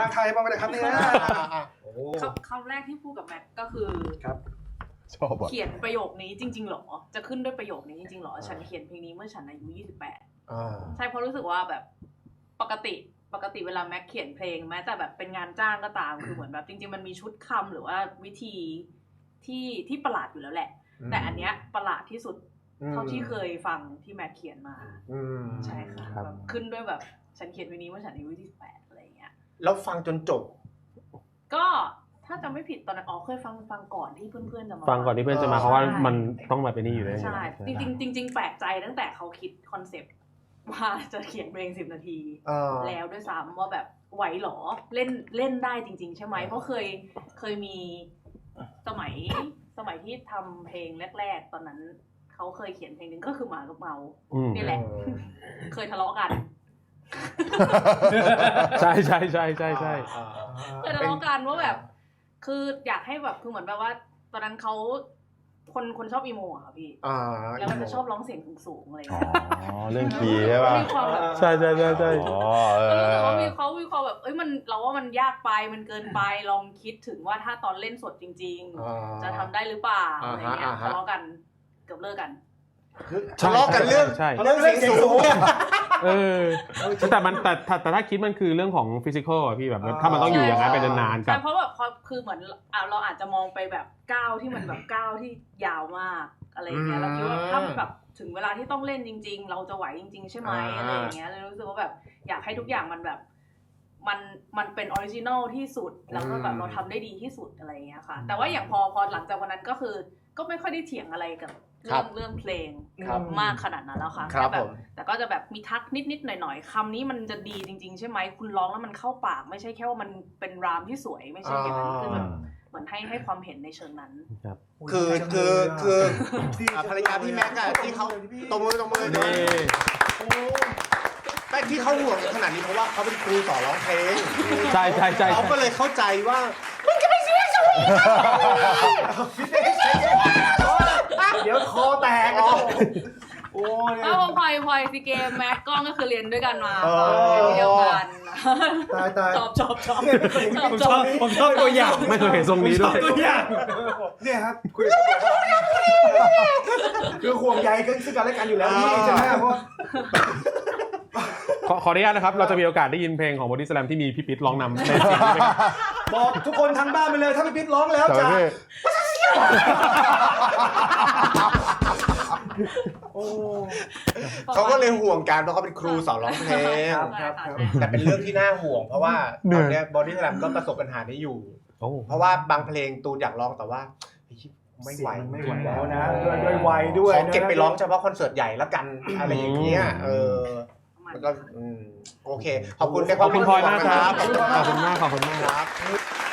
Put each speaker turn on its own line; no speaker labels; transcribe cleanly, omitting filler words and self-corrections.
างไทยบ้างไหมครับเนี่ย
คำแรกที่พูดกับแม็กก็คือ
ครับ
ชอบ
เขียนประโยคนี้จริงๆหรอจะขึ้นด้วยประโยคนี้จริงๆหรอฉันเขียนเพลงนี้เมื่อฉันอายุ28ใช่เพราะรู้สึกว่าแบบปกติเวลาแม็กเขียนเพลงแม้แต่แบบเป็นงานจ้างก็ตามคือเหมือนแบบจริงๆมันมีชุดคำหรือว่าวิธีที่ประหลาดอยู่แล้วแหละแต่อันเนี้ยประหลาดที่สุดเท่าที่เคยฟังที่แม็กเขียนมาใช่ค่ะแบบขึ้นด้วยแบบฉันเขียนเพลงนี้เมื่อฉันอายุ28อะไรอย่างเงี้ย
แล้วฟังจนจบ
ก็ถ้าจำไม่ผิดตอนนั้นเคยฟังก่อนที่เพื่อนๆจะมา
ฟังก่อนที่เพื่อนจะมาเพราะว่ามันต้องมาเป็นนี่อยู่เลย
ใช่จริงแปลกใจตั้งแต่เขาคิดคอนเซปต์ว่าจะเขียนเพลง10 นาทีแล้วด้วยซ้ำว่าแบบไหวหรอเล่นได้จริงๆใช่ไหมเพราะเคยมีสมัยที่ทำเพลงแรกๆตอนนั้นเขาเคยเขียนเพลงนึงก็คือหมากับเมานี่แหละเคยทะเลาะกัน
ใช่
เคยทะเลาะกันว่าแบบคืออยากให้แบบคือเหมือนแบบว่าตอนนั้นเขาคนชอบอีโมอะค่ะพี่แล้วมันจะชอบร้องเสียงสูงๆอะไรอย่างเงี้ย
เรื่องคีย์ใช่ป่ะใช่
อ๋อเขามีความแบบมันเราว่ามันยากไปมันเกินไปลองคิดถึงว่าถ้าตอนเล่นสดจริงๆจะทำได้หรือเปล่าอะไรเงี้ยทะเลาะกันเกือบเลิกกัน
ทะเลาะกันเรื่องเสียงสูง
แต่ถ้าคิดมันคือเรื่องของฟิสิกอลอะพี่แบบถ้ามันต้องอยู่อย่างนั้นไปนานๆกับ
เพราะแบบคือเหมือนเราอาจจะมองไปแบบก้าวที่มันแบบก้าวที่ยาวมากอะไรอย่างเงี้ยเราคิดว่าถ้าแบบถึงเวลาที่ต้องเล่นจริงๆเราจะไหวจริงๆใช่ไหมอะไรอย่างเงี้ยเลยรู้สึกว่าแบบอยากให้ทุกอย่างมันแบบมันเป็นออริจินอลที่สุดแล้วก็แบบเราทำได้ดีที่สุดอะไรอย่างเงี้ยค่ะแต่ว่าอย่างพอหลังจากวันนั้นก็คือก็ไม่ค่อยได้เถียงอะไรกับเรื่องเพลงมากขนาดนั้นแล้วค่ะแต่ก็จะแบบมีทักนิดๆหน่อยๆคำนี้มันจะดีจริงๆใช่ไหมคุณร้องแล้วมันเข้าปากไม่ใช่แค่ว่ามันเป็นรามที่สวยไม่ใช่อย่างนั้นคือแบบเหมือนให้ความเห็นในเชิงนั้น
คือภรรยาพี่แม็กอะที่เขาตบมือแต่ที่เขาห่วงขนาดนี้เพราะว่าเขาเป็นครูสอนร้องเพลง
ใช่
เขาก็เลยเข้าใจว่ามึงจะไปเสียชีวิต
เดี๋ยวคอแตกโอ้ย
พลอยซีเกมแม็กกล้องก็คือเรียนด้วยกันมาเดียวกัน
ตาย
ชอบ
ผมชอบตัวอย่างไม่เคยเห็นทรงนี้ด้วย
ตัวอย่างเนี่ยครับคือห่วงใยกันซึ่งกันและกันอยู่แล้วนี่ใช่ไหมเพราะ
ขออนุญาตนะครับเราจะมีโอกาสได้ยินเพลงของ Body Slam ที่มีพี่ปิ๊ดร้องนำในเสียงนี้ไหม
บอกทุกคนทางบ้านไปเลยถ้าพี่ปิ๊ดร้องแล้วจะ
เขาก็เลยห่วงกันเพราะเขาเป็นครูสอนร้องเพลงแต่เป็นเรื่องที่น่าห่วงเพราะว่าตอนนี้ Body Slam ก็ประสบปัญหานี้อยู่เพราะว่าบางเพลงตูนอยากร้องแต่ว่าไม่ไหว
แล้วนะด้วยวัยด้วย
ขอเก็บไปร้องเฉพาะคอนเสิร์ตใหญ่แล้วกันอะไรอย่างเงี้ยมันก็โอเคขอบคุณ
พลอยมากครับขอบคุณมากครับ